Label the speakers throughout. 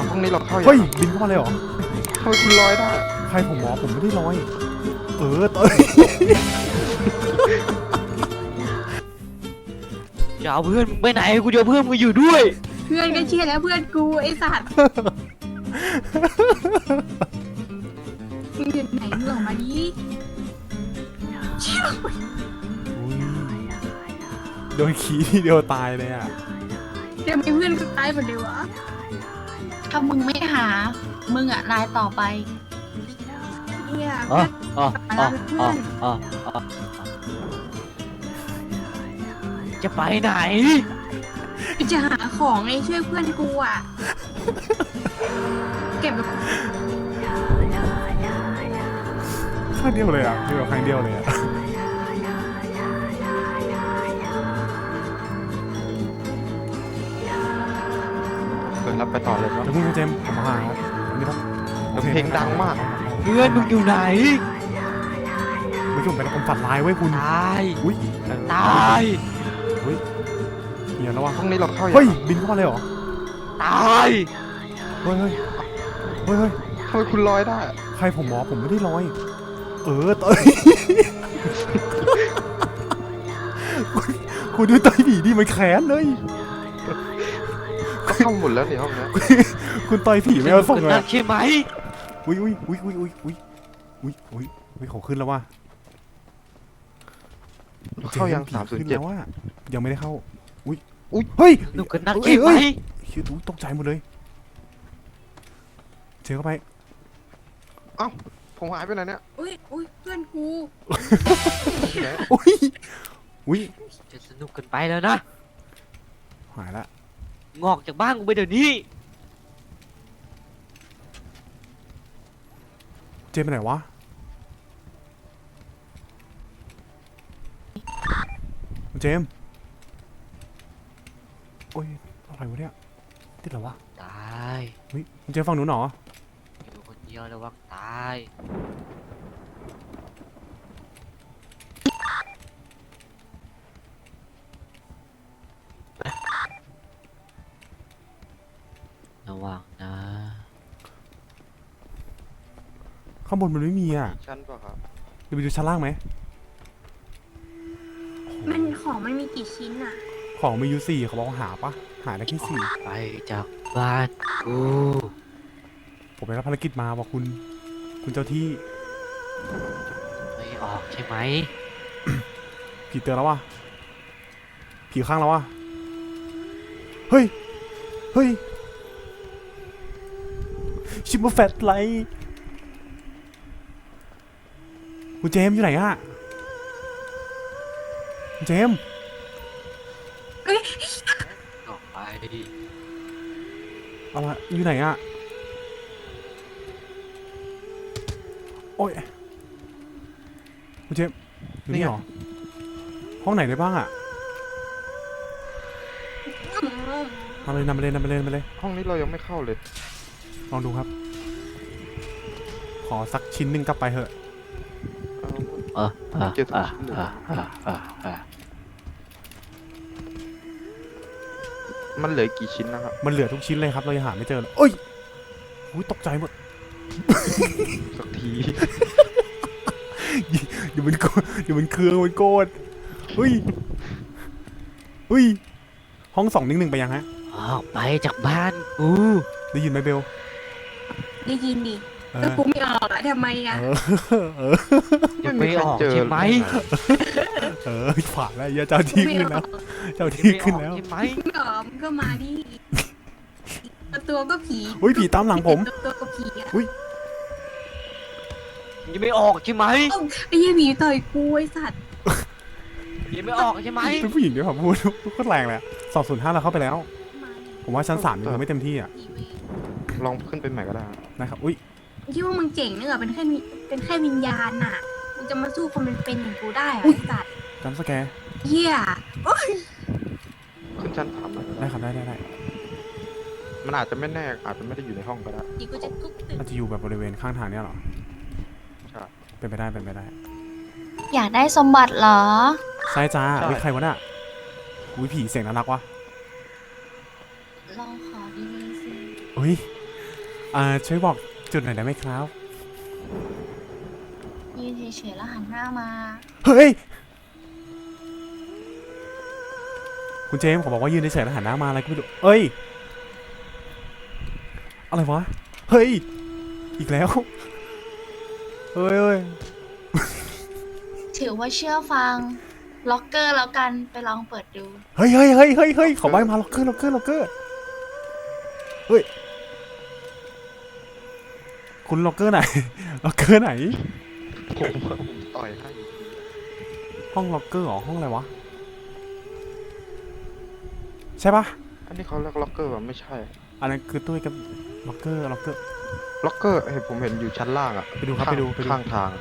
Speaker 1: ห้องนี้เราเข้าอย่าง
Speaker 2: เฮ้ยบินเข้ามาเลยเหรอ
Speaker 1: ทำไมคุณลอยได้
Speaker 2: ใครผมหมอผมไม่ได้ลอยเตย
Speaker 3: จะเอาเพื่อนมึงไปไหนกูจะเอาเพื่อนมึงอยู่ด้วย
Speaker 4: เพื่อนก็เชื่อแล้วเพื่อนกูไอ้สัตว์มึงอยู่ไหนมึงออกมาดิเชี่ยว
Speaker 2: โดนขี้ทีเดียวตายเลยอ่ะ
Speaker 4: เดี๋ยวมีเพื่อนก็ตายหมดเลยวะถ้ามึงไม่หามึงอะรายต่อไปเฮียเพื่อน
Speaker 3: จะไปไหน
Speaker 4: จะหาของไอ้ช่วยเพื่อนกูอะเก็บแบบ
Speaker 2: ครั้งเดียวเลยอ่ะคือแบบครั้งเดียวเลยอ่ะ
Speaker 1: รับไปต่อเลยครับ
Speaker 2: เดี๋ยวคุณเจมส์ผมมาหาอันนี้ปะ
Speaker 1: เพลงดังมาก
Speaker 3: เพื่อนมึงอยู่ไหน
Speaker 2: ไม่ใช่ผมเป็นคนฝันร้ายไว้คุณ
Speaker 3: ตาย
Speaker 2: อุ้ย
Speaker 3: ตาย
Speaker 2: อุ้ยเหี้ยแล้ววะ
Speaker 1: ห้องนี้เราเข้าอย่าง
Speaker 2: เฮ้ยบินเข้ามาเลยเหรอ
Speaker 3: ตาย
Speaker 2: เฮ้ย
Speaker 1: ทำไมคุณลอยได้
Speaker 2: ใครผมหมอผมไม่ได้ลอยเตยคุณดูเตยผีดิมันแค้นเลย
Speaker 1: ก็เข้าหมดแล้วนี่ห้องนี้
Speaker 2: คุณต่อยผีไม่เอาส่งเลย
Speaker 3: ใช่ไหม
Speaker 2: อุ้ยเขาขึ้นแล้วว่ะ
Speaker 1: เข้ายัง
Speaker 2: ขึ้นแล้วว่ายังไม่ได้เข้าอุ้ย
Speaker 1: เฮ้ย
Speaker 3: หนูกันนักใช่ไหม
Speaker 2: เฮ้ยตกใจหมดเลยเจอเข้าไป
Speaker 1: เอ้าผมหายไปไหนเนี่ย
Speaker 4: อุ้ยเพื่อนกู
Speaker 2: อุ้ย
Speaker 3: จะสนุกกันไปแล้วนะ
Speaker 2: หายละ
Speaker 3: งอกจากบ้านกูไปเดี๋ยวนี้
Speaker 2: เจมไปไหนวะเจมโอ้ยอะไรวะเนี่ยติดเหรอวะ
Speaker 3: ตาย
Speaker 2: เฮ้ยเจมฟังหนูหนอ
Speaker 3: อยู่คนเดียวระวังตายระวังนะ
Speaker 2: ข้างบนมันไม่มีอ่ะ
Speaker 1: ชั้นป่ะครับ
Speaker 2: เดี๋ยวไปดูชั้นล่างไหม
Speaker 4: มันของมันมีกี่ชิ้นอะ
Speaker 2: ของมีอยู่4เขาบอกว่าหาปะหาได้แค่4
Speaker 3: ไปจากบ้านกู
Speaker 2: ผมไปรับภารกิจมาบอกคุณเจ้าที่
Speaker 3: ไม่ออกใช่ไหม
Speaker 2: ผีเตือนแล้ววะผีข้างแล้ววะเฮ้ยชิมมาแฟตไลท์คุณเจมอยู่ไหนอะคุณเจม
Speaker 3: ออกไป
Speaker 2: เอาละอยู่ไหนอะโอ้ยคุณเจมอยู่นี่หรอห้องไหนได้บ้างอะนำไปเลย
Speaker 1: ห้องนี้เรายังไม่เข้าเลย
Speaker 2: ลองดูครับขอสักชิ้นหนึ่งกลับไปเถอะ
Speaker 1: เจอทุกชิ้นเลยมันเหลือกี่ชิ้นนะครับ
Speaker 2: มันเหลือทุกชิ้นเลยครับเรายังหาไม่เจอเลยเอ้ยอุ้ยตกใจหมด
Speaker 1: สักที
Speaker 2: เดี๋ยวมันเครื่องมันโกรธเฮ้ยห้อง211ไปยังฮะ
Speaker 3: ออกไปจากบ้านกู
Speaker 2: ได้ยินไหมเบล
Speaker 4: ได้ยินดิแต่กูไม่ออกอะทำไมอะ
Speaker 3: จะไม่ออกใช่ไหม
Speaker 2: ผ่านแล้วเจ้าที่ขึ้นแล้วใช่ไหม
Speaker 4: ไม่ออกมึงก็มาดิตัวก็ผี
Speaker 2: อุ้ยผีตามหลังผม
Speaker 4: ตัวก็ผีอะ
Speaker 3: ยังไม่ออกใช่ไหม
Speaker 4: ไอ้ยี่ผีต่อยกูไอ้สัตว์
Speaker 3: ยังไม่ออกใช่ไหม
Speaker 2: เป็นผู้หญิงด้วยครับพูดก็แรงเลย205เราเข้าไปแล้วผมว่าชั้น3ยังไม่เต็มที่อ่ะ
Speaker 1: ลองขึ้นไปใหม่ก็ได้
Speaker 2: นะครับอุ้ย
Speaker 4: คิดว่ามึงเจ๋งเนอะเป็นแค่วิญญาณน่ะมึงจะมาสู้คนเป็นอย่างกูได้เหรอไอ้สัตว์
Speaker 2: จำสแกร์
Speaker 4: เหี้ย
Speaker 1: ขึ้นชั้น3
Speaker 2: ได้ครับได้
Speaker 1: มันอาจจะไม่แน่อาจจะไม่ได้อยู่ในห้องก็ได้
Speaker 2: มันจะอยู่แบบบริเวณข้างทางเนี้ยหรอ
Speaker 1: ใช่
Speaker 2: เป็นไปได้
Speaker 4: อยากได้สมบัติเหรอ
Speaker 2: ใช่จ้าวิใครวะน่ะวิผีเสียงน่ารักวะ
Speaker 4: ลองขอดีๆสิ
Speaker 2: เฮ้ยช่วยบอกจุดหน่อยได้ไหมครับ
Speaker 4: ยืนเฉยๆแล้วหันหน้ามา
Speaker 2: เฮ้ย คุณเจมส์เขาบอกว่ายืนเฉยๆแล้วหันหน้ามาอะไรก็ไม่รู้เอ้ย อะไรวะ เฮ้ย อีกแล้ว เฮ้ยเฮ้ย
Speaker 4: ถือว่าเชื่อฟัง ล็อกเกอร์แล้วกันไปลองเปิดดู
Speaker 2: เฮ้ยเฮ้ยเฮ้ยเฮ้ยเฮ้ยเขาใบมาล็อกเกอร์ล็อกเกอร์ล็อกเกอร์เฮ้ย คุณล็อกเกอร์ไหน ล็อกเกอร์ไหน
Speaker 1: ผมต่อยให้
Speaker 2: ห้องล็อกเกอร์เหรอ ห้องอะไรวะ ใช่ปะ
Speaker 1: อันนี้เขาเรียกล็อกเกอร์ป่ะไม่ใช่
Speaker 2: อันนั้นคือตู้กับล็อกเกอร์ล็อกเกอร์
Speaker 1: ล็อกเกอร์ผมเห็นอยู่ชั้นล่างอะ
Speaker 2: ไปดูครับ
Speaker 1: ข้าง
Speaker 2: ไปดู
Speaker 1: ข้างทาง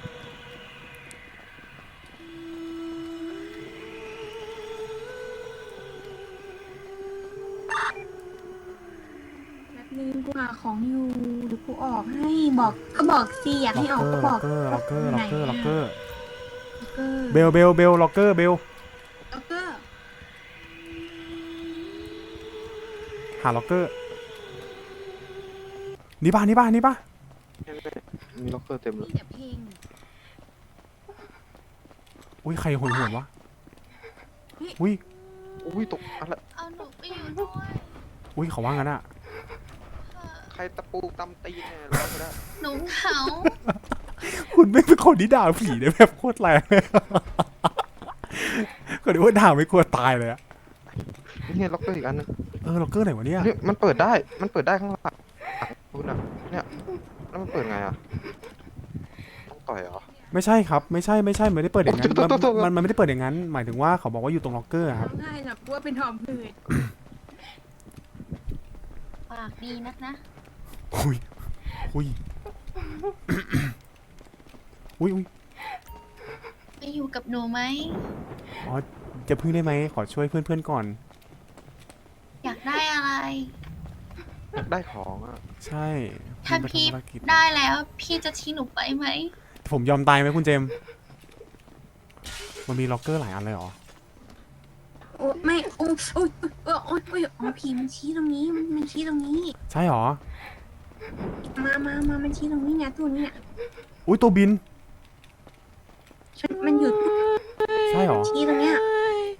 Speaker 4: แป๊บนึงกูหาของอยู่เดี๋ยวกูออกให้บอกก็บอกสิอยากให้ออกก็บอก
Speaker 2: ล็อกเกอร์ล็อกเกอร์ล็อกเกอร์
Speaker 4: ล็อกเกอร์
Speaker 2: เบลเบลเบลล็อกเกอร์เบล
Speaker 4: ล็อกเกอร์
Speaker 2: หาล็อกเกอร์นี่ป่ะนี่ป่ะนี่ป่ะ
Speaker 1: มีล็อกเกอร์เต็มเลย
Speaker 4: มีแต่เพลง
Speaker 2: อุ้ยใครโหยหวนวะ
Speaker 4: เฮ้ย
Speaker 2: อุ้ย
Speaker 1: อุ้ยตกอะไร
Speaker 4: เอาหนูไปอยู่ด้วย
Speaker 2: อุ้ยเขาว่างั้นอะ
Speaker 1: ใครตะปูตำตีนเนี่ยร้องไปได้
Speaker 4: หนูเหงา
Speaker 2: คุณไม่เป็นคนที่ด่าผีได้แบบโคตรแรงเลยก็เดี๋ยวว่าด่าไม่กลัวตายเลยอะ
Speaker 1: นี่ไงล็อกเกอร์อีกอันนึง
Speaker 2: ล็อกเกอร์ไหนวะเนี่ย
Speaker 1: เนี่ยมันเปิดได้ข้างหลังคุณอะเนี่ยแล้วมันเปิดไงอะต้องต่อยเหรอ
Speaker 2: ไม่ใช่ครับไม่ใช่ไม่ได้เปิดอย่างนั้น
Speaker 1: โทษ
Speaker 2: มันไม่ได้เปิดอย่างนั้น หมายถึงว่าเขาบอกว่าอยู่ตรงล็อกเกอร์ครับ
Speaker 4: ง่ายหรอกว่าเป็นหอมผืดปากดีนักนะ
Speaker 2: อุ้ยอุ้ยอุ้ยอุ้ย
Speaker 4: ไปอยู่กับหนูไหม
Speaker 2: อ๋อจะพึ่งได้ไหมขอช่วยเพื่อนๆก่อน
Speaker 4: อยากได้อะไร
Speaker 1: อยากได้ของอะ
Speaker 2: ใช่
Speaker 4: ถ้า
Speaker 2: ไป
Speaker 4: พี่
Speaker 2: ทำภารกิจ
Speaker 4: ได้แล้ว พี่จะทิ้งหนูไปไหม
Speaker 2: ผมยอมตายไหมคุณเจมส์มันมีล็อกเกอร์หลายอันเลยเหรอ
Speaker 4: โอ้ไม่โอ้โอ้โอ้โอ้โอ้อ๋อผีมันชี้ตรงนี้มันชี้ตรงนี้
Speaker 2: ใช่เหรอ
Speaker 4: มามันชี้ตรงนี้เนี่ยตัวนี้เนี่ย
Speaker 2: อุ้ยตัวบิน
Speaker 4: มันหยุด
Speaker 2: ใช่เหรอ
Speaker 4: ชี้ตรงเนี้ย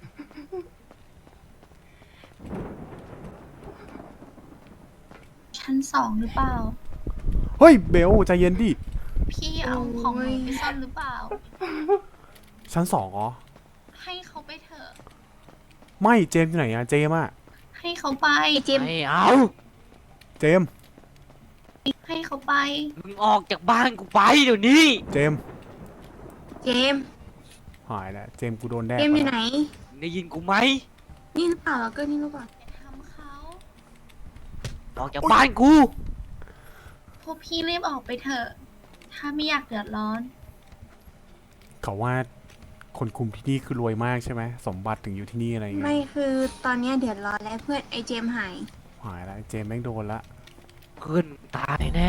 Speaker 4: ชั้น2หรือเปล่า
Speaker 2: เฮ้ยเบลใจเย็นดิ
Speaker 4: พี่เอาของหนูไปซ่อนหรือเปล่า
Speaker 2: ชั้น2เหรอ
Speaker 4: ให้เขาไปเถอะ
Speaker 2: ไม่เจมส์อยู่ไหนอะเจมส์อะ
Speaker 4: ให้เขาไปเจม
Speaker 3: ไม่เอา
Speaker 2: เจมส์
Speaker 4: ให้เขาไป
Speaker 3: มึงออกจากบ้านกูไปเดี๋ยวนี้
Speaker 2: เจมส์
Speaker 4: เจม
Speaker 2: หายแล้วเจมส์กูโดนแดก
Speaker 4: เจมอยู่ไหน
Speaker 3: ได้ยินกูไหม
Speaker 4: นี่หรือเปล่าแล้วก็นี่หรือเปล่าอย่าทำเขา
Speaker 3: ออกจากบ้านกู
Speaker 4: พวกพี่รีบออกไปเถอะ ถ้าไม่อยากเดือดร้อน
Speaker 2: เขาว่าคนคุมที่นี่คือรวยมากใช่ไหมสมบัติถึงอยู่ที่นี่อะไรเงี้
Speaker 5: ไม่
Speaker 2: ย
Speaker 5: คือตอนเนี้ยเดือดร้อนแล้วเพื่อนไอเจมหาย
Speaker 2: หายแล้วเจมส์แม่งโดนละ
Speaker 3: เพื่อนมึงตายแน่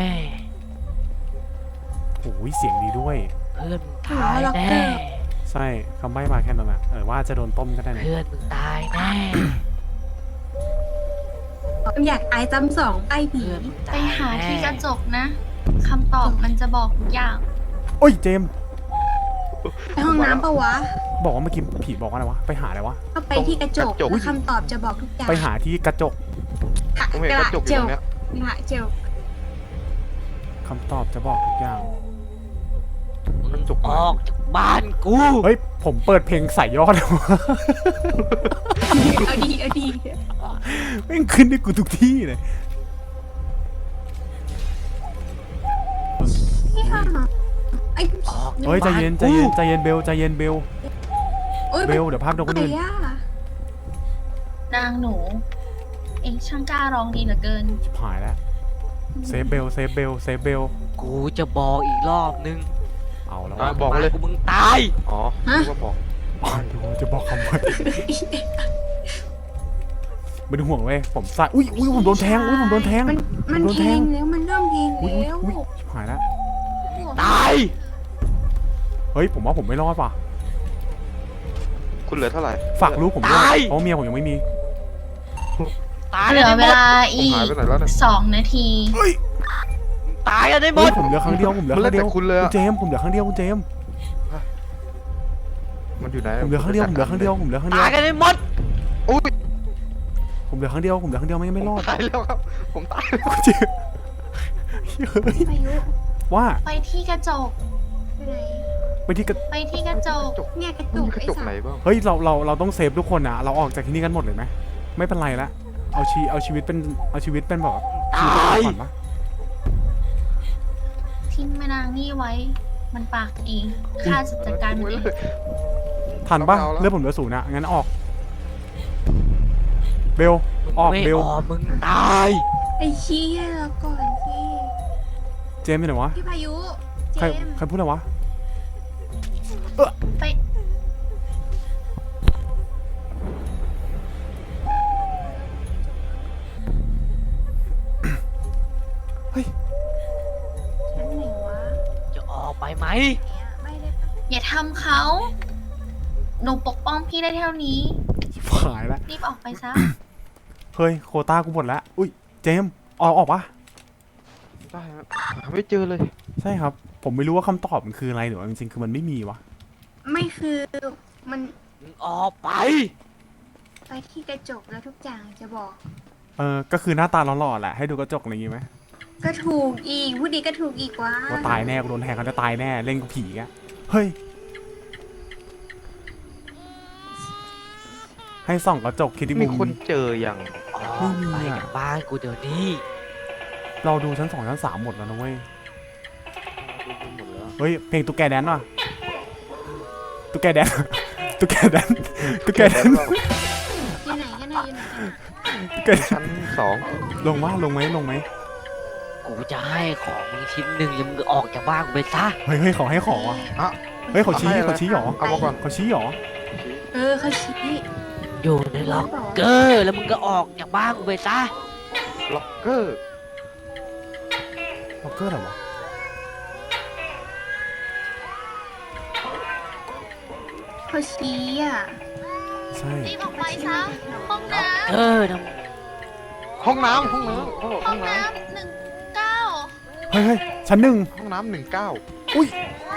Speaker 2: โอ้ยเสียงดีด้วย
Speaker 3: เพื่อนมึงตายแน่
Speaker 2: ใช่คำใบ้มาแค่นั้นอะว่าจะโดนต้มก็ได้นะ
Speaker 3: เพื่อนมึงตายแน่
Speaker 5: อยากตายซ้ำสองไปผี
Speaker 3: เพื่อนมึง
Speaker 4: ไป
Speaker 3: ตาย
Speaker 4: หาที่ก
Speaker 3: แน่
Speaker 4: ระจกนะ คำตอบมันจะบอกทุกอย่าง
Speaker 2: โอ้ยเจมส์
Speaker 5: ไปห้องน้ำปะวะ
Speaker 2: บอกว่าเมื่อกี้ผีบอกว่าอะไรวะไปหาอะไรวะ
Speaker 5: ก็ไปที่กระจกแล้วคำตอบจะบอกทุกอย่าง
Speaker 2: ไปหาที่กระจก
Speaker 1: ผมเห็นกระจกอยู่ตรงเนี้ย
Speaker 5: กระจก
Speaker 2: คำตอบจะบอกทุกอย่าง
Speaker 3: มึงออกจากบ้านกู
Speaker 2: เฮ้ยผมเปิดเพลงใส่ยอดเลยวะ
Speaker 5: เอาดีเอาดี
Speaker 2: แม่งขึ้นได้กูทุกที่เลย
Speaker 5: พี่ค่ะไอ้
Speaker 3: ออกจาก
Speaker 2: เฮ้ยใจ
Speaker 3: บ้าน
Speaker 2: เย็นใจ
Speaker 3: กู
Speaker 2: เย็นใจเย็นเบลใจเย็นเบล
Speaker 5: โอ้ย
Speaker 2: เบลเดี๋ยวภาพโดนคน
Speaker 5: ไหน
Speaker 2: อื่น
Speaker 5: อะ
Speaker 4: นางหนู เองช่างกล้าร้องดีเหลือเกิน
Speaker 2: ชิบหายแล้วเซฟเบลเซฟเบลเซฟเบล
Speaker 3: กูจะบอกอีกรอบนึง
Speaker 2: เอาแล้ว
Speaker 1: อ่ะ
Speaker 2: วะ
Speaker 1: บอกมาเลย
Speaker 3: กูมึงตาย
Speaker 1: อ๋อรู้ว่าบอก
Speaker 2: อ๋อเดี๋ยวจะบอกคำว่าไม่ต้องห่วงเว้ยผมใส่อุ้ยผมโดนแทงอุ้ยผมโดนแทง
Speaker 5: มัน
Speaker 2: โดน
Speaker 5: เพ
Speaker 2: แท
Speaker 5: ล
Speaker 2: ง
Speaker 5: งแล้วมันเริ่มเพลง
Speaker 2: อุ้ย
Speaker 5: แล้ว
Speaker 2: ชิบหายแล้ว
Speaker 3: ตาย
Speaker 2: เฮ้ยผมว่าผมไม่รอดว่ะ
Speaker 1: คุณเหลือเท่าไหร่
Speaker 2: ฝากลูกผมด้วยเพราะเมียผมยังไม่มี
Speaker 3: ตาย
Speaker 4: เหลือเวลา
Speaker 1: ผม
Speaker 4: อีก
Speaker 1: หายไปไหนแล้วเนี่ย
Speaker 4: 2 นาที
Speaker 2: เฮ้ย
Speaker 3: ตายกันได้หม
Speaker 2: เฮ้ย
Speaker 3: ด
Speaker 2: ผมเหลือครั้งเดียวผมเหลือ
Speaker 1: มัน
Speaker 2: ครั้
Speaker 1: เล่
Speaker 2: ง
Speaker 1: น
Speaker 2: เดียว
Speaker 1: แต่คุณเลย
Speaker 2: คุ
Speaker 1: อะ
Speaker 2: ณเจมส์ผมเหลือครั้งเดียวคุณเจมส์
Speaker 1: มันอยู่ไหน
Speaker 2: ผมเหลือครั้งเดียวผมเหลือครั้งเดียวผมเหลือครั้งเดีย
Speaker 3: ตายว กันได้หมด
Speaker 1: อุ้ย
Speaker 2: ผมเหลือครั้งเดียวผมเหลือครั้งเดียวไม่รอด
Speaker 1: ตายแล้วครับผมตายแล้ว
Speaker 2: คุณเจมส์เฮ้ย
Speaker 5: พายุ
Speaker 2: ว่า
Speaker 4: ไปที่กระจก
Speaker 5: ไปไหน
Speaker 2: ไปที่กระ
Speaker 4: ไปที่กระจก
Speaker 5: เนี่ยกระ
Speaker 1: มัน
Speaker 5: จุก
Speaker 1: มีกระ
Speaker 5: ไอ้
Speaker 1: จก
Speaker 5: สั
Speaker 1: ไหน
Speaker 5: ตว์
Speaker 1: บ้าง
Speaker 2: เฮ้ยเราต้องเซฟทุกคนนะเราออกจากที่นี่กันหมดเลยไหมไม่เป็นไรละเอาชีวิตเป็นแบบ
Speaker 3: ตาย
Speaker 2: ก่อนปะ
Speaker 4: ทิ้งแม่นางนี่ไว้ มันปากเองข้าจะจัดการมันเอง
Speaker 2: ทันปะ
Speaker 1: เอาแล้ว
Speaker 2: เลือดผมเหลือศูนย์อะงั้นออกเบลออก
Speaker 3: ไม่
Speaker 2: เบล
Speaker 3: ออกมึงตาย
Speaker 5: ไอ้เชี่ยแล้วก่อนสิ
Speaker 2: เจมส์ไปไหนวะ
Speaker 5: พี่พายุเจ
Speaker 2: ใคร
Speaker 5: มส์
Speaker 2: ใครพูดอะไรวะ
Speaker 4: ไป
Speaker 5: ชั้นไหนวะ
Speaker 3: จะออกไปไหม
Speaker 5: เนี่ยไม่ได้ปะ
Speaker 4: อย่าทำเขา หนูปกป้องพี่ได้เท่านี้
Speaker 2: ชิบหายแล้ว
Speaker 4: รีบออกไปซะ
Speaker 2: เฮ้ยโควต้ากูหมดแล้วอุ้ยเจมส์ออกปะ
Speaker 1: ได้ครับหาไม่เจอเลย
Speaker 2: ใช่ครับ ผมไม่รู้ว่าคำตอบมันคืออะไรหรือว่าจริงๆคือมันไม่มีวะ
Speaker 5: ไม่คือมัน
Speaker 3: มึงออกไป
Speaker 5: ไปที่กระจกแล้วทุกอย่างจะบอก
Speaker 2: ก็คือหน้าตาหล่อๆแหละให้ดูกระจกอะไรอย่างงี้ไหม
Speaker 5: ก็ถูกอีกพูดดีก็ถูกอีกว่า
Speaker 2: ว่าตายแน่กูโดนแทงเขาจะตายแน่เล่นกับผีอะเฮ้ยให้ส่องกระจกคิดที่
Speaker 1: มี
Speaker 2: มุ
Speaker 1: คน
Speaker 2: ม
Speaker 1: เจออย่าง
Speaker 3: ออกไปจากบ้านกูเดี๋ยวนี้
Speaker 2: เราดูชั้น 2 ชั้น 3หมดแล้วนะเว้ย
Speaker 1: ดูหมดแล้ว
Speaker 2: เฮ้ยเพลงตุ๊กแกแดนว่ะตุ๊กแกแดน ตุ๊กแกแดนตุ๊กแกแดน
Speaker 5: อยู่ไหนกันนะอยู่ไหนกันนะ
Speaker 2: ตุ๊กแกแดน
Speaker 1: ชั้นสอง
Speaker 2: ลงไหม
Speaker 3: กูจะให้ของมึงชิ้นหนึ่งแล้วมึงออกจากบ้านกูไปซะ
Speaker 2: เฮ้ยขอให้ของอ่ะ
Speaker 1: อ่ะ
Speaker 2: เฮ้ยเขาชี้หรอ
Speaker 1: เอามาก่อน
Speaker 2: เขาชี้หรอ
Speaker 5: เขาชี้
Speaker 3: อยู่ในล็อกเกอร์แล้วมึงก็ออกจากบ้านกูไปซะ
Speaker 1: ล็อกเกอร์
Speaker 2: ล็อกเกอร์อะไรวะ
Speaker 5: เขาชี้อ่ะ
Speaker 2: ใช่
Speaker 4: รีบออกไปซะ ห้องน้
Speaker 3: เออนะ
Speaker 1: ห้องน้ำเขาบอก
Speaker 4: ำ
Speaker 1: ห้
Speaker 4: ห้
Speaker 1: อ
Speaker 4: อง ง
Speaker 1: น้
Speaker 4: น้ำ19
Speaker 2: เฮ้ยชั้น 1
Speaker 1: ำห้องน้ำ19
Speaker 2: อุ้ย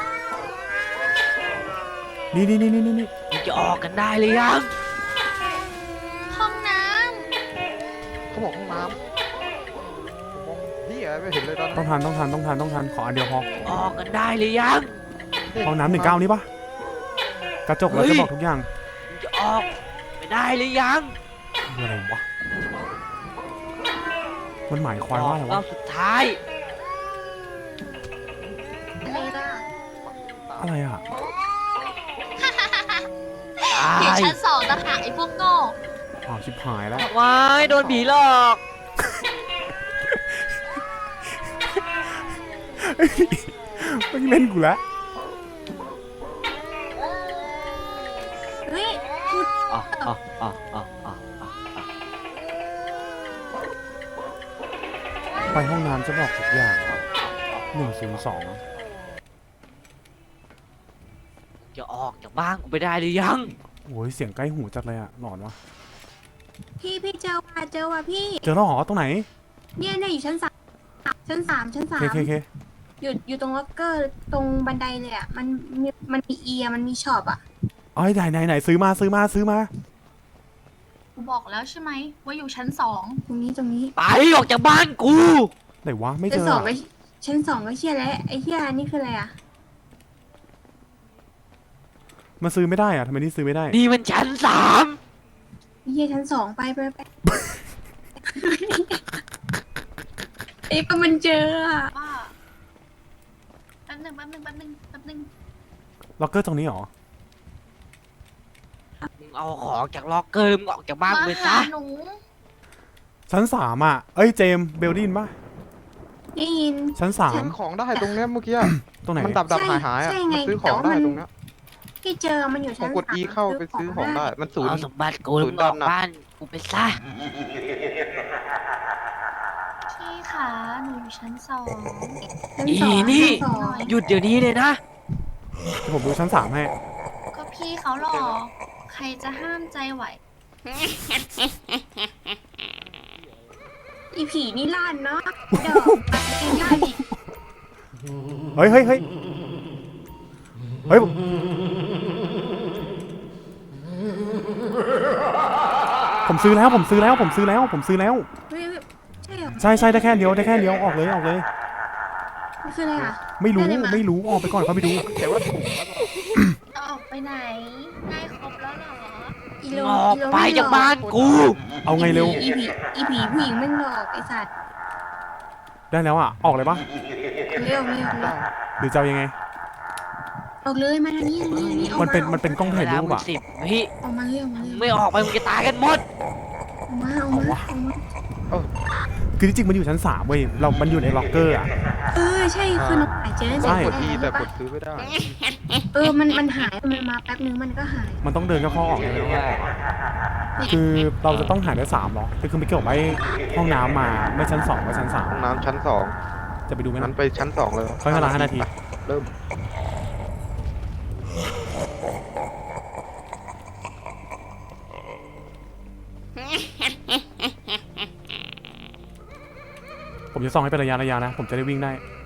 Speaker 2: นี่
Speaker 3: มึงจะออกกันได้หรือยัง
Speaker 4: ห้องน้
Speaker 1: เขาบอกห้องน้ำผมมองพี่อะไรไม่เห็นเลยตอน
Speaker 2: ต้องทันขออันเดียวพอ
Speaker 3: ออกกันได้หรือยัง
Speaker 2: ห้องน้ำ19นี่ปะกระจกแล้วจะบอกทุกอย่าง
Speaker 3: มึงจะออกไปได้หรือยัง
Speaker 2: คืออะไรวะมันหมายความ
Speaker 3: ออ
Speaker 2: ว่าก อะไร
Speaker 3: รอ
Speaker 2: วะ
Speaker 3: บสุดท้าย
Speaker 5: อะไรล่ะ
Speaker 2: อะไรอ่ะ
Speaker 3: ตา
Speaker 4: ำอยู่
Speaker 3: ย
Speaker 4: ชั้น2ต่างหากไอ้พวกโง่
Speaker 2: อ้าวชิบหายแล้ว
Speaker 3: ว้ายโดนผีหลอก
Speaker 2: ไม่เล่นกูแล้ว
Speaker 5: เฮ้ยพูด
Speaker 3: อ๋ออ๋ออ๋ออ๋ออ๋อ
Speaker 2: ไปห้องน้ำจะบอกทุกอย่าง102
Speaker 3: จะออกจากบ้านกูไปได้หรือยัง
Speaker 2: โอ้ยเสียงใกล้หูจัดเลยอ่ะหลอนวะ
Speaker 5: พี่เจอว่ะพี่
Speaker 2: เจอแล้วเหรอตรงไหน
Speaker 5: เนี่ยอยู่ชั้น 3ชั้น 3
Speaker 2: เค
Speaker 5: อยู่ตรงล็อกเกอร์ตรงบันไดเลยอ่ะมันมีเอียมันมีช็อปอ่ะ
Speaker 2: เอ้ยไหนซื้อมา
Speaker 4: กูบอกแล้วใช่ไหมว่าอยู่ชั้น
Speaker 5: ตรงนี้
Speaker 3: ไปออกจากบ้านกู
Speaker 2: ไหนวะไม่เจ
Speaker 5: ชั้น
Speaker 2: อ
Speaker 5: สอง
Speaker 2: อะ
Speaker 5: ก็ชั้น 2ก็เชี่ยแล้วไอ้เชี่ยนี่คืออะไรอ่ะ
Speaker 2: มันซื้อไม่ได้อ่ะทำไมนี่ซื้อไม่ได้
Speaker 3: นี่มันชั้น 3
Speaker 5: ไอ้เชี่ยชั้น 2ไป ไอ้ปะมันเจออ่ะ
Speaker 4: 2ว่าแป๊บหนึง
Speaker 2: ล็อกเกอร์ตรงนี้เหรอ
Speaker 3: มึงเอาของจากล็อกเกอร์มึงออกจากบ้านกู
Speaker 4: มา
Speaker 3: ไป
Speaker 4: หา
Speaker 3: ซะ
Speaker 4: หนู
Speaker 2: ชั้น 3อ่ะเอ้ยเจมส์เบลดินปะ
Speaker 5: ได้ยิน
Speaker 2: ชั้น
Speaker 1: ซื้อของได้ตรงเนี้ยเมื่อกี้อะ
Speaker 2: 3ตรงไหน
Speaker 1: มันดับหายอ่ะ
Speaker 5: ใช่ไง
Speaker 1: มันซื้อของได้
Speaker 5: แต่ว่ามัน
Speaker 1: ตรงเนี้ย
Speaker 5: ที่เจอมันอยู่
Speaker 1: ผ
Speaker 5: ชั้
Speaker 1: ม
Speaker 5: น
Speaker 1: กด
Speaker 5: 3
Speaker 1: E เข้าไปซื้อของได้ มันศูน
Speaker 3: เอา
Speaker 1: ย์
Speaker 3: สมบัติกูแล้วมึงออกบ้านกูไปซะ
Speaker 4: พี่ขาหนูอยู่ชั้น 2
Speaker 5: ชั้น
Speaker 3: อี
Speaker 5: สอง
Speaker 3: นี่
Speaker 5: ชั้สอง
Speaker 3: หยุดเดี๋ยวนี้เลยนะ
Speaker 2: เดี๋ยวผมดูชั้น 3ให้
Speaker 4: ก็พี่เขาหรอกใครจะห้ามใจไหว
Speaker 5: อีผีนี่ลั่นเนาะเดี๋ยวปัดเองลั่นอีก
Speaker 2: เฮ้ยเฮ้ยเฮ้ยเฮ้ยผมซื้อแล้วผมซื้อแล้วผมซื้อแล้วผมซื้อแล้ว
Speaker 5: เฮ้ยใช่เหรอ
Speaker 2: ใช่ใช่ได้แค่เดียวได้แค่เดียวออกเลยออกเลย
Speaker 5: นี่คืออะไรอ่ะ
Speaker 2: ไม่รู้
Speaker 5: ได้เลยมั้ย
Speaker 2: ไม่รู้ออกไปก่อนเขาไปดู
Speaker 1: แต่ว่าถูกแล้วก็
Speaker 5: เอาออกไปไหนได้ครบแล้วเหรออีโล
Speaker 3: ออกไปจากบ้านกู
Speaker 2: เอาไงเร็ว
Speaker 5: อีผีผู้หญิงไม่หลอกไอสัตว์
Speaker 2: ได้แล้วอ่ะออกเลยปะ
Speaker 5: เร็วเร็วเร็ว
Speaker 2: หรือจะเอายังไง
Speaker 5: ออกเลยมาทางนี้ออก
Speaker 2: มันเป็นกล้องถ่ายรูปอ่ะ
Speaker 3: 10 วิ
Speaker 5: ออกมาเร็วมาเร็ว
Speaker 3: ไม่ออกไปมึงจะตายกันหมด
Speaker 5: ออกมาออกมาออกมา
Speaker 2: คือที่จริงมันอยู่ชั้น3เว้ยมันอยู่ในล็อกเกอร์อ่ะ
Speaker 5: ใช่คือน้องหายเจอ
Speaker 2: ใช่
Speaker 1: กดทีแต่กดซื้อไม่ได้
Speaker 5: มันหายมันมาแป๊บนึงมันก็หาย
Speaker 2: มันต้องเดินเข้าๆออกเลยคือเราจะต้องหาได้3หรอคือไม่เกี่ยวกับไอ้ห้องน้ำมาไม่ชั้น2ไม่ชั้น
Speaker 1: ห้องน้ำชั้น2
Speaker 2: 3จะไปดูไหม
Speaker 1: นั้
Speaker 2: นะ
Speaker 1: นไปชั้น2เลย
Speaker 2: ค่อยเวลา5 นาที
Speaker 1: เริ่ม
Speaker 2: ผมจะส่องให้เป็นระยะนะผมจะได้วิ่งได้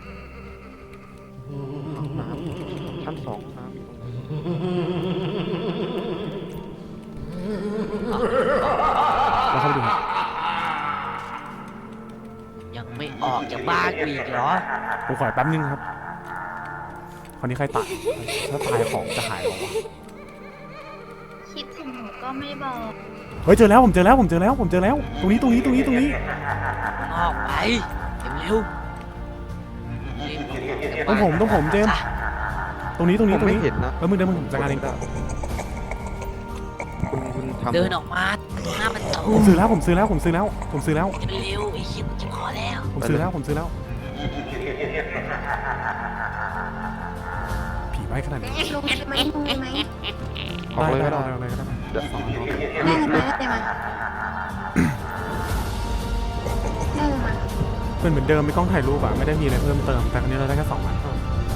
Speaker 1: ห้องน้ำชั้น2ห้องน้ำอยู่ตรงไหน
Speaker 2: แล้วเข้าไปดูครับ
Speaker 3: ยังไม่ออกจากบ้านกูอีกเหรอ
Speaker 2: ผมขอแป๊บนึงครับคราวนี้ใครตายถ้าตายของจะหายหรอวะ
Speaker 5: คิดถึงหนูก็ไม่บอก
Speaker 2: เฮ้ยเจอแล้วผมเจอแล้วผมเจอแล้วผมเจอแล้วตรงนี้
Speaker 3: ออกไปเร็ว
Speaker 2: ต้องผมเจมส์ตรงนี้
Speaker 1: ผมไม่เห็นนะ
Speaker 2: แล้วมึงเดินมึงจัดการเอง
Speaker 1: คุณทำ
Speaker 3: เดินออกมาหน้ามันตู
Speaker 2: ผมซื้อแล้วผมซื้อแล้ว
Speaker 3: เร็วไอ้เหี้ยกูจะพอแล้ว
Speaker 2: ผมซื้อแล้วผีไว้ขนาดนี้
Speaker 5: ลงเลยไหมลงเลยไหม
Speaker 1: ออกเลยก็ได้
Speaker 2: ได้
Speaker 1: เดี๋ยว
Speaker 5: ได้เลยมาได้เลยมาได้เลยมา
Speaker 2: เป็นเหมือนเดิมไม่กล้องถ่ายรูปอะไม่ได้มีอะไรเพิ่มเติมแต่ครั้นี้เราได้แค่2 อัน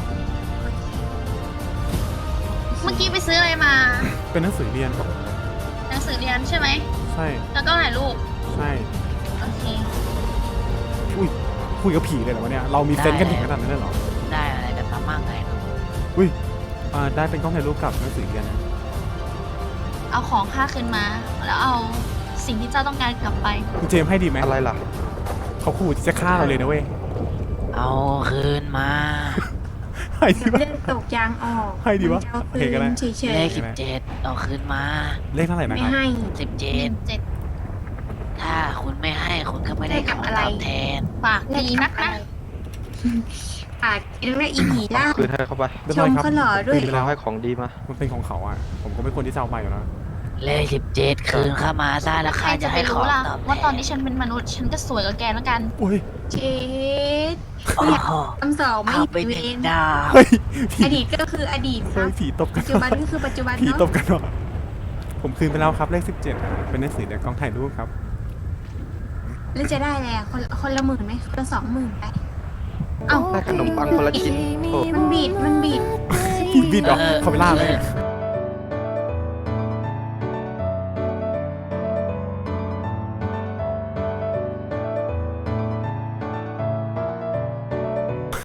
Speaker 4: เมื่อกี้ไปซื้ออะไรมา
Speaker 2: เป็นหนังสือเรียน
Speaker 4: หนังสือเรียนใช่ไหม
Speaker 2: ใช่
Speaker 4: แล้วก็ถ่ายรูป
Speaker 2: ใช่
Speaker 4: โอเค
Speaker 2: อุ้ยคุยกับผีเลยเหรอวะเนี่ยเรามีเซนส์กันถึงขนาดนั้นเลยเหรอ
Speaker 3: ได้อะไรกันมาบ้างไง
Speaker 2: อุ้ยได้เป็นกล้องถ่ายรูปกับหนังสือเรียนนะ
Speaker 4: เอาของค่าคืนมา แล้วเอาสิ่งที่เจ้าต้องการกลับไป
Speaker 2: คุณเจมส์ให้ดีไหม
Speaker 1: อะไรล่ะ
Speaker 2: เขาขู่ที่จะฆ่าเราเลยนะเว้ย
Speaker 3: เอาคืนมา
Speaker 2: ให้ดี
Speaker 5: เดี๋ยว
Speaker 2: ปะ
Speaker 5: เลือดตกยางออก
Speaker 2: ให้ดีวะ
Speaker 5: มันจะเอา
Speaker 2: โอเคก็ได้
Speaker 5: คืนเฉย
Speaker 3: เลข17เอาคืนมา
Speaker 2: เลขเท่าไหร่
Speaker 5: ๆ
Speaker 2: นะ
Speaker 5: ไม่
Speaker 2: ครับ
Speaker 5: ให้
Speaker 3: 17
Speaker 4: 7
Speaker 3: ถ้าคุณไม่ให้คุณก็ไม่ได้ของตอบแทน
Speaker 4: ฝากดีนักนะ
Speaker 5: กินแล้วอีผีล่า
Speaker 1: คืนให้เข้าไป
Speaker 2: เรียบ
Speaker 5: ช
Speaker 2: ร้อ
Speaker 5: ม
Speaker 2: ยครับ
Speaker 5: ก็หล่อด้วย
Speaker 2: คืนไปแล้ว
Speaker 1: ให้ของดีมา
Speaker 2: มันเป็นของเขาอ่ะผมก็ไม่ควรที่จะเอาไปอยู่แล้ว
Speaker 3: เลข17คืนเข้ามาซะแล้ว
Speaker 4: ใคร
Speaker 3: ข้า
Speaker 4: จะ
Speaker 3: จะ
Speaker 4: ไป
Speaker 3: ให้ขอ
Speaker 4: รู้
Speaker 3: ง
Speaker 4: ล่ะ
Speaker 3: ตอบแทน
Speaker 4: ว่าตอนนี้ฉันเป็นมนุษย์ ฉันก็สวยกว่าแกแล้วกัน
Speaker 2: อุ้ย
Speaker 5: เช็ด
Speaker 3: โอ้โห
Speaker 5: คำสองไม่
Speaker 3: เอาไป
Speaker 5: เว
Speaker 3: เด็ก
Speaker 5: น
Speaker 3: ดาว
Speaker 2: เฮ้ยผี
Speaker 5: อดีตก็คืออดีตค
Speaker 2: เฮ้
Speaker 5: รั
Speaker 2: ย
Speaker 5: บ
Speaker 2: ผีตบกั
Speaker 5: ปั
Speaker 2: น
Speaker 5: จจุบันก็คือปัจจุบัน
Speaker 2: ผี
Speaker 5: เนาะ
Speaker 2: ตบกันเหรอผมคืนไปแล้วครับเลข17เป็นหนังสือเด็กกล้องถ่ายรูปครับ
Speaker 5: แล้วจะได้อะไรอ่ะคนละ10,000ไหมคนละ20,000ไปเอ้า
Speaker 1: ได้ขนมปังคนละชิ้นโอ้
Speaker 5: มันบีด
Speaker 2: ผีบิดเหรอเขาไปล่าเลย
Speaker 3: เ